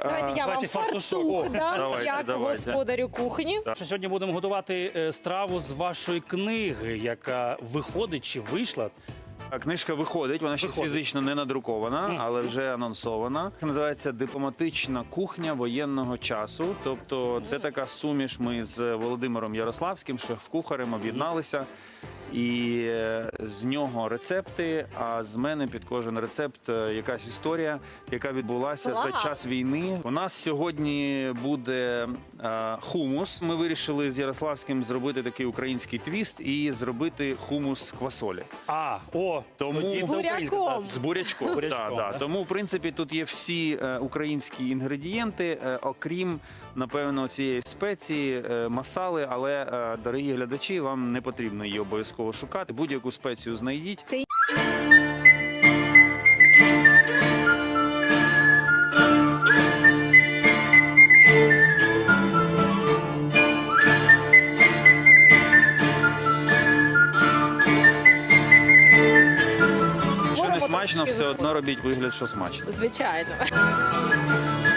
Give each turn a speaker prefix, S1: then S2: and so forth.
S1: Давайте я вам
S2: Давайте фартушок.
S1: фартух дам,
S3: Давайте,
S1: як
S3: давайте.
S1: господарю кухні.
S2: Що сьогодні будемо готувати страву з вашої книги, яка виходить чи вийшла.
S3: Книжка виходить, вона ще
S2: Виходить.
S3: фізично не надрукована, але вже анонсована. Називається «Дипломатична кухня воєнного часу». Тобто це така суміш. Ми з Володимиром Ярославським, шеф-кухарем, об'єдналися. І з нього рецепти, а з мене під кожен рецепт якась історія, яка відбулася за
S1: Клас!
S3: час війни. У нас сьогодні буде хумус. Ми вирішили з Ярославським зробити такий український твіст і зробити хумус з квасолі.
S2: Тому
S3: З
S1: буряком.
S3: З бурячком.
S2: Бурячком,
S3: Да.
S2: да.
S3: Тому, в принципі, тут є всі українські інгредієнти, окрім, напевно, цієї спеції, масали, але, дорогі глядачі, вам не потрібно її обов'язково шукати. Будь-яку спецію знайдіть.
S1: Це
S3: Якщо не
S1: Можемо
S3: смачно,
S1: трошки
S3: все одно робіть вигляд, що смачно.
S1: звичайно.